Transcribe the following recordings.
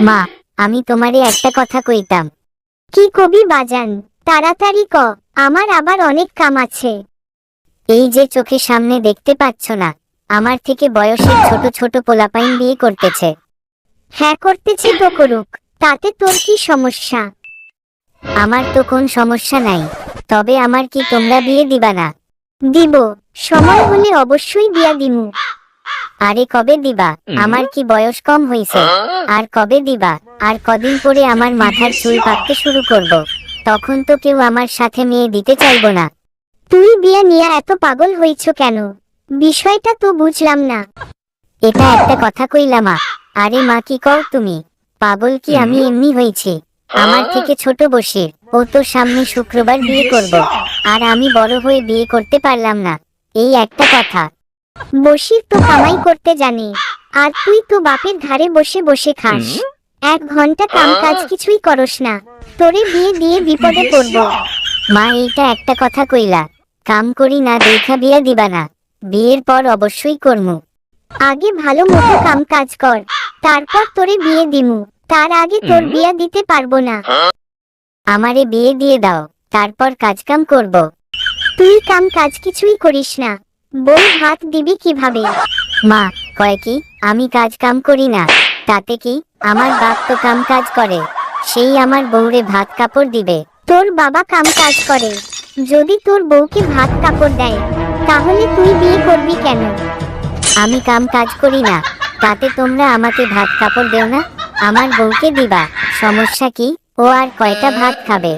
মা, আমি তোমারে একটা কথা কইতাম। কি কবি বাজান, তাড়াতাড়ি ক, আমার আবার অনেক কাম আছে। এই যে চোখের সামনে দেখতে পাচ্ছ না, আমার থেকে বয়সের ছোট ছোট পোলাপাইন বিয়ে করতেছে। হ্যাঁ করতেছি তো করুক, তাতে তোর কি সমস্যা? আমার তো কোন সমস্যা নাই, তবে আমার কি তোমরা বিয়ে দিবা না? দিব, সময় হলে অবশ্যই বিয়া দিমু। আরে কবে দিবা? আমার কি বয়স কম হইছে? আর কবে দিবা? আর কদিন পরে আমার মাথার চুল পাকতে শুরু করব, তখন তো কেউ আমার সাথে মেয়ে দিতে চাইবো না। তুই বিয়া নিয়ে এত পাগল হইছ কেন? বিষয়টা তো বুঝলাম না। এটা একটা কথা কইলা মা? আরে মা, কি কও তুমি? পাগল কি আমি এমনি হইছি? আমার থেকে ছোট বসির, ও তো সামনে শুক্রবার বিয়ে করব, আর আমি বড় হয়ে বিয়ে করতে পারলাম না, এই একটা কথা। বসির তো কামাই করতে জানে, আর তুই তো বাপের ধারে বসে বসে খাস। 1 ঘন্টা কাম কাজ কিছুই করস না, তোরে বিয়ে দিয়ে বিপদে পড়ব। মা, এইটা একটা কথা কইলা? কাম করি না দেখা বিয়া দিবা না? বিয়ের পর অবশ্যই করমু। আগে ভালো মতো কাম কাজ কর, তারপর তোরে বিয়ে দিমু। তার আগে তোর বিয়া দিতে পারবো না। আমারে বিয়ে দিয়ে দাও, তারপর কাজ কাম করব। তুই কাম কাজ কিছুই করিস না, বউ ভাত দিবি কিভাবে? মা কয় কি আমি কাজ কাম করি না? তাতে কি? আমার বাপ তো কাম কাজ করে, সেই আমার বউরে ভাত কাপড় দিবে। তোর বাবা কাম কাজ করে, যদি তোর বউকে ভাত কাপড় দেয়, তাহলে তুই বিয়ে করবি কেন? আমি কাম কাজ করি না, তাতে তোমরা আমাকে ভাত কাপড় দেও না, আমার বউকে দিবা, সমস্যা কি? ও আর কয়টা ভাত খাবে?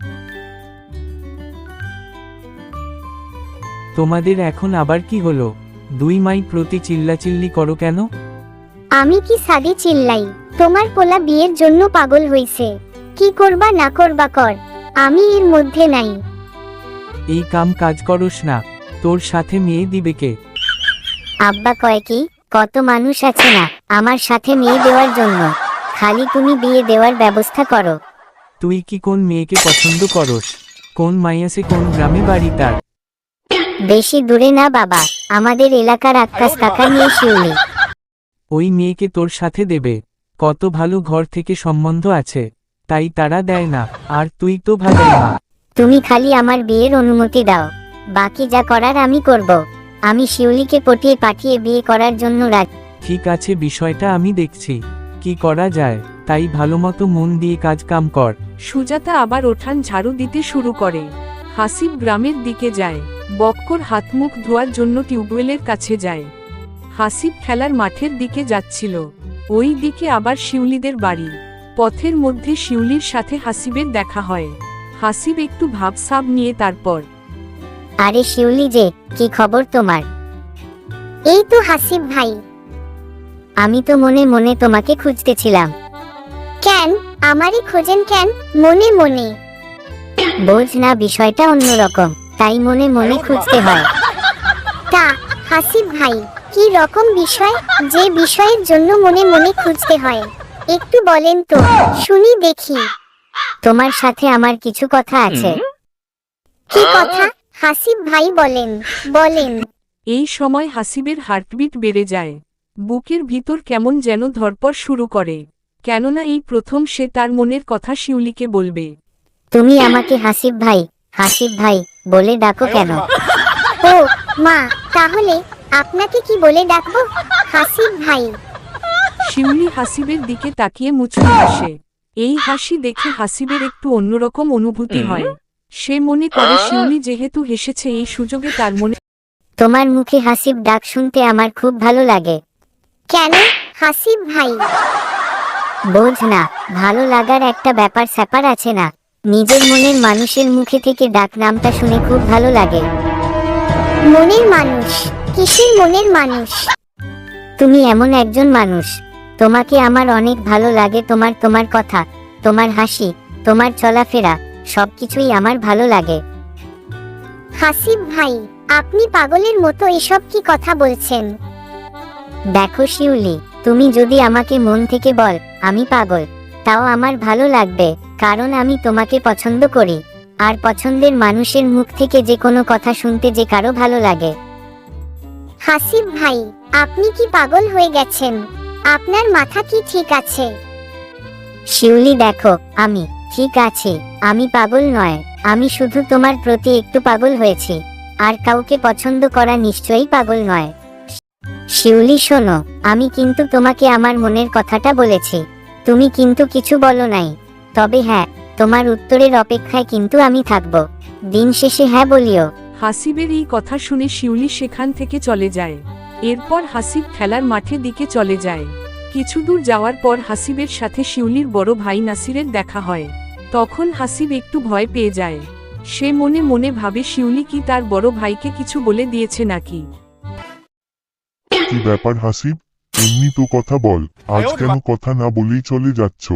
তোমাদের এখন আবার কি হলো? দুই মাই প্রতি চিল্লাচিল্লি করো কেন? আমি কি সাদি চিল্লাই? তোমার পোলা বিয়ের জন্য পাগল হইছে, কি করবা না করবা কর, আমি এর মধ্যে নাই। এই কাম কাজ করস না, তোর সাথে মেয়ে দিবে কে? আব্বা কয় কি, কত মানুষ আছে না আমার সাথে মেয়ে দেওয়ার জন্য, খালি তুমি বিয়ে দেওয়ার ব্যবস্থা করো। তুই কি কোন মেয়েকে পছন্দ করস? কোন মাইয়াসে কোন গ্রামে বাড়ি তার? বেশি দূরে না বাবা, আমাদের এলাকার আক্কাস কাকা নিয়ে শিউলি। ওই মেয়েকে তোর সাথে দেবে? কত ভালো ঘর থেকে সম্বন্ধ আছে, তাই তারা দেয় না, আর তুই তো ভাগাই না। তুমি খালি আমার বিয়ের অনুমতি দাও, বাকি যা করার আমি করব। আমি শিউলিকে পটিয়ে পাঠিয়ে বিয়ে করার জন্য রাজি। ঠিক আছে, বিষয়টা আমি দেখছি কি করা যায়, তাই ভালোমতো মন দিয়ে কাজ কাম কর। সুজাতা আবার ওঠান ঝাড়ু দিতে শুরু করে। হাসিব গ্রামের দিকে যায়, বক্কর হাতমুখ ধোয়ার জন্য টিউবওয়েলের কাছে যায়। হাসিব খেলার মাঠের দিকে যাচ্ছিল, ওই দিকে আবার শিউলিদের বাড়ি। পথের মধ্যে শিউলির সাথে হাসিবের দেখা হয়। হাসিব একটু ভাবসাব নিয়ে তারপর, আরে শিউলি যে, কি খবর তোমার? এই তো হাসিব ভাই। আমি তো মনে মনে তোমাকে খুঁজতেছিলাম। কেন আমারই খোঁজেন কেন মনে মনে? বোঝ না, বিষয়টা অন্যরকম, তাই মনে মনে খুঁজতে হয়। তা হাসিব ভাই, কি রকম বিষয় যে বিষয়ের জন্য মনে মনে খুঁজতে হয়? একটু বলেন তো, শুনি দেখি। তোমার সাথে আমার কিছু কথা আছে। কি কথা হাসিব ভাই, বলেন বলেন। এই সময় হাসিবের হার্টবিট বেড়ে যায়, বুকের ভিতর কেমন যেন ধড়পড় শুরু করে, কেননা এই প্রথম সে তার মনের কথা শিউলিকে বলবে। তুমি আমাকে হাসিব ভাই বলে ডাকো কেন? ও মা, তাহলে আপনাকে কি বলে ডাকবো? হাসিব ভাই। শিউলি হাসিবের দিকে তাকিয়ে মুচকি হাসে। এই হাসি দেখে হাসিবের একটু অন্যরকম অনুভূতি হয়। সে মনে করে শিউলি যেহেতু হেসেছে, এই সুযোগে তার মনে। তোমার মুখে হাসিব ডাক শুনতে আমার খুব ভালো লাগে। কেন হাসিব ভাই? বোঝ না, ভালো লাগার একটা ব্যাপার স্যাপার আছে না, নিজের মনের মানুষের মুখে থেকে ডাক নামটা শুনে খুব ভালো লাগে। মনের মানুষ? কিসের মনের মানুষ? তুমি এমন একজন মানুষ, তোমাকে আমার অনেক ভালো লাগে। তোমার কথা, তোমার হাসি, তোমার চলাফেরা, সবকিছুই আমার ভালো লাগে। হাসিব ভাই, আপনি পাগলের মতো এসব কি কথা বলছেন? দেখো শিউলি, তুমি যদি আমাকে মন থেকে বল আমি পাগল, তাও আমার ভালো লাগবে, কারণ আমি তোমাকে পছন্দ করি, আর পছন্দের মানুষের মুখ থেকে যে কোনো কথা শুনতে যে কারো ভালো লাগে। হাসিব ভাই, আপনি কি পাগল হয়ে গেছেন? আপনার মাথা কি ঠিক আছে? শিউলি দেখো, আমি ঠিক আছে, আমি পাগল নয়, আমি শুধু তোমার প্রতি একটু পাগল হয়েছি, আর কাউকে পছন্দ করা নিশ্চয়ই পাগল নয়। শিউলি শোনো, আমি কিন্তু তোমাকে আমার মনের কথাটা বলেছি, তুমি কিন্তু কিছু বলো নাই। তবে হ্যাঁ, তোমার উত্তরের অপেক্ষায় কিন্তু আমি থাকবো, দিন শেষে হ্যাঁ বলিও। হাসিবের এই কথা শুনে শিউলি সেখান থেকে চলে যায়। এরপর হাসিব খেলার মাঠে দিকে চলে যায়। কিছু দূর যাওয়ার পর হাসিবের সাথে শিউলির বড় ভাই নাসিরের দেখা হয়। তখন হাসিব একটু ভয় পেয়ে যায়। সে মনে মনে ভাবে শিউলি কি তার বড় ভাইকে কিছু বলে দিয়েছে নাকি। কি ব্যাপার হাসিব, এমনি তো কথা বল, আজ কেন কথা না বলেই চলে যাচ্ছ?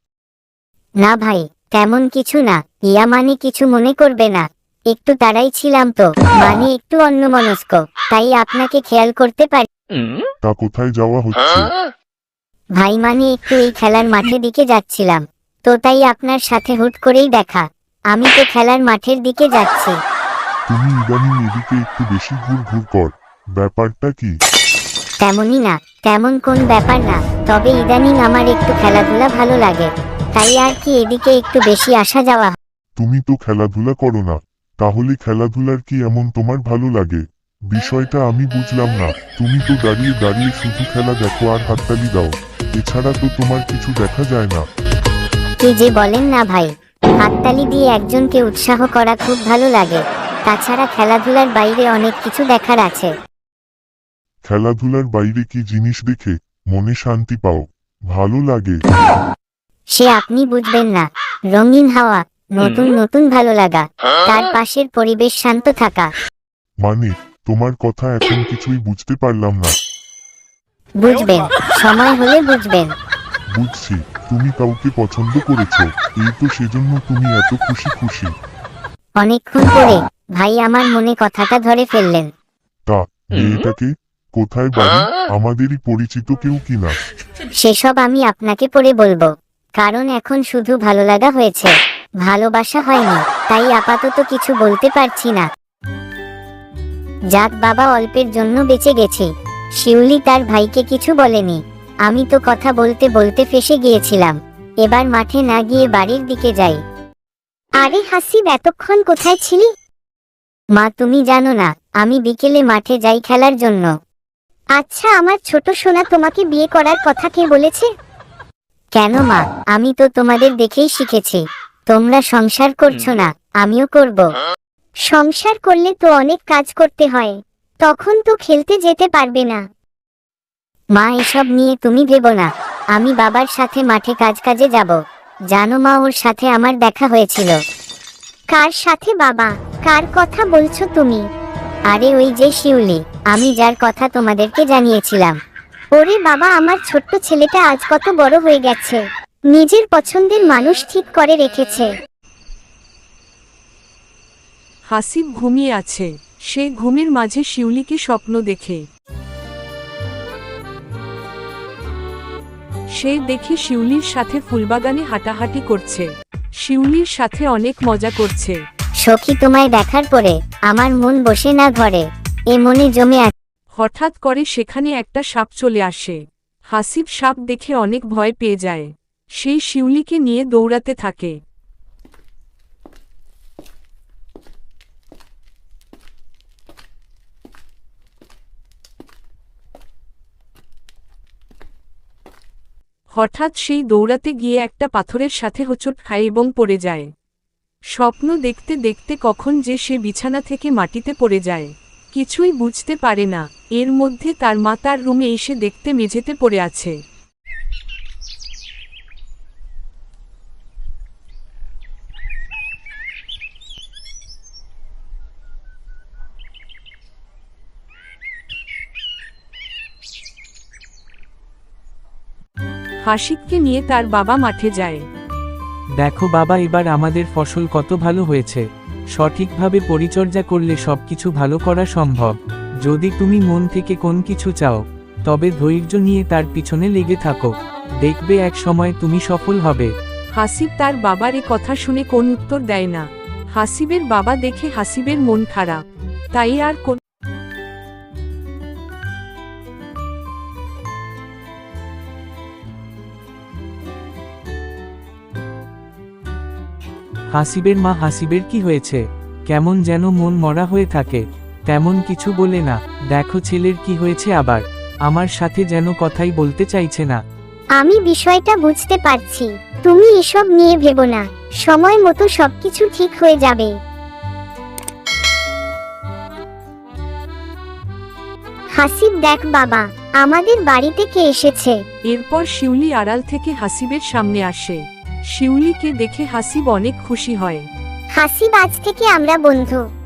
না ভাই, তেমন কিছু না, ইয়া মানে কিছু মনে করবে না, একটু তাড়াই ছিলাম তো, মানে একটু অন্যমনস্ক, তাই আপনাকে খেয়াল করতে পারি। তা কোথায় যাওয়া হচ্ছে? ভাই মানে একটু এই খেলার মাঠের দিকে যাচ্ছিলাম, তো তাই আপনার সাথে হুট করেই দেখা, আমি তো খেলার মাঠের দিকে যাচ্ছি। তুমি ইদানিং এদিকে একটু বেশি ঘুর ঘুর কর, ব্যাপারটা কি? তেমনই না, তেমন কোন ব্যাপার না, তবে ইদানিং আমার একটু খেলাধুলা ভালো লাগে, তাই আর কি এদিকে একটু বেশি আসা যাওয়া হয়। তুমি তো খেলাধুলা করো না, তাহলে খেলাধুলার কি এমন তোমার ভালো লাগে? বিষয়টা আমি বুঝলাম না, তুমি তো দাঁড়িয়ে দাঁড়িয়ে শুধু খেলা দেখো আর হাততালি দাও, এছাড়া তো তোমার কিছু দেখা যায় না। কি যে বলেন না ভাই, হাততালি দিয়ে একজনকে উৎসাহ করা খুব ভালো লাগে, তাছাড়া খেলাধুলার বাইরে অনেক কিছু দেখার আছে। খেলাধুলার বাইরে কি জিনিস দেখে মনে শান্তি পাও, ভালো লাগে? সে আপনি বুঝবেন না, রঙিন হাওয়া, নতুন নতুন ভালো লাগা, তার পাশের পরিবেশ শান্ত থাকা। মানে, তোমার কথা এখন কিছুই বুঝতে পারলাম না। বুঝবেন, সময় হলে বুঝবেন। বুঝছি, তুমি কাউকে পছন্দ করেছো, এই তো সেজন্য তুমি এত খুশি খুশি। অনেকক্ষণ পরে ভাই আমার মনে কথাটা ধরে ফেললেন। তা মেয়েটাকে, কোথায় বাড়ি, আমাদেরই পরিচিত কেউ কিনা? সেসব আমি আপনাকে পরে বলবো, কারণ এখন শুধু ভালো লাগা হয়েছে, ভালোবাসা হয়নি, তাই আপাতত কিছু বলতে পারছি না। যাক বাবা, অল্পের জন্য বেঁচে গেছি। শিউলি তার ভাইকে কিছু বলেনি, আমি তো কথা বলতে বলতে ফেঁসে গিয়েছিলাম, এবার মাঠে না গিয়ে বাড়ির দিকে যাই। আরে হাসিব, এতক্ষণ কোথায় ছিলি? মা তুমি জানো না, আমি বিকেলে মাঠে যাই খেলার জন্য। আচ্ছা, আমার ছোট সোনা তোমাকে বিয়ে করার কথা কে বলেছে? কেন মা, আমি তো তোমাদের দেখেই শিখেছি, তোমরা সংসার করছো না, আমিও করব। সংসার করলে তো অনেক কাজ করতে হয়, তখন তো খেলতে যেতে পারবে না। মা এসব নিয়ে তুমি ভেবো না, আমি বাবার সাথে মাঠে কাজে যাব। জানো মা, ওর সাথে আমার দেখা হয়েছিল। কার সাথে বাবা? কার কথা বলছো তুমি? আরে ওই যে শিউলি, আমি যার কথা তোমাদেরকে জানিয়েছিলাম। ওরে বাবা, আমার ছোট্ট ছেলেটা আজ কত বড় হয়ে গেছে, নিজের পছন্দের মানুষ ঠিক করে রেখেছে। হাসিব ঘুমিয়ে আছে। সে ঘুমের মাঝে শিউলিকে স্বপ্ন দেখে। সে দেখে শিউলির সাথে ফুলবাগানে হাঁটাহাঁটি করছে, শিউলির সাথে অনেক মজা করছে। সখী, তোমায় দেখার পরে আমার মন বসে না ঘরে, এ মনে জমে আছে। হঠাৎ করে সেখানে একটা সাপ চলে আসে। হাসিব সাপ দেখে অনেক ভয় পেয়ে যায়। সেই শিউলিকে নিয়ে দৌড়াতে থাকে। হঠাৎ সেই দৌড়াতে গিয়ে একটা পাথরের সাথে হোঁচট খায় এবং পড়ে যায়। স্বপ্ন দেখতে দেখতে কখন যে সে বিছানা থেকে মাটিতে পড়ে যায়, কিছুই বুঝতে পারে না। এর মধ্যে তার মা তার রুমে এসে দেখতে মেঝেতে পড়ে আছে। হাসিবকে নিয়ে তার বাবা মাঠে যায়। দেখো বাবা, এবার আমাদের ফসল কত ভালো হয়েছে, সঠিকভাবে পরিচর্যা করলে সবকিছু ভালো করা সম্ভব। যদি তুমি মন থেকে কোন কিছু চাও, তবে ধৈর্য নিয়ে তার পিছনে লেগে থাকো, দেখবে এক সময় তুমি সফল হবে। হাসিব তার বাবার এ কথা শুনে কোন উত্তর দেয় না। হাসিবের বাবা দেখে হাসিবের মন খারাপ, তাই আর কোন হাসিবের মা, হাসিবের কি হয়েছে? কেমন যেন মন মরা হয়ে থাকে। তেমন কিছু বলে না। দেখো ছেলের কি হয়েছে আবার, আমার সাথে যেন কথাই বলতে চাইছে না। আমি বিষয়টা বুঝতে পারছি, তুমি এসব নিয়ে ভেবো না, সময় মতো সবকিছু ঠিক হয়ে যাবে। হাসিব, দেখ বাবা, আমাদের বাড়িতে কে এসেছে। এরপর শিউলি আড়াল থেকে হাসিবের সামনে আসে। শিউলিকে দেখে হাসিব অনেক খুশি হয়। হাসিব, আজ থেকে আমরা বন্ধু।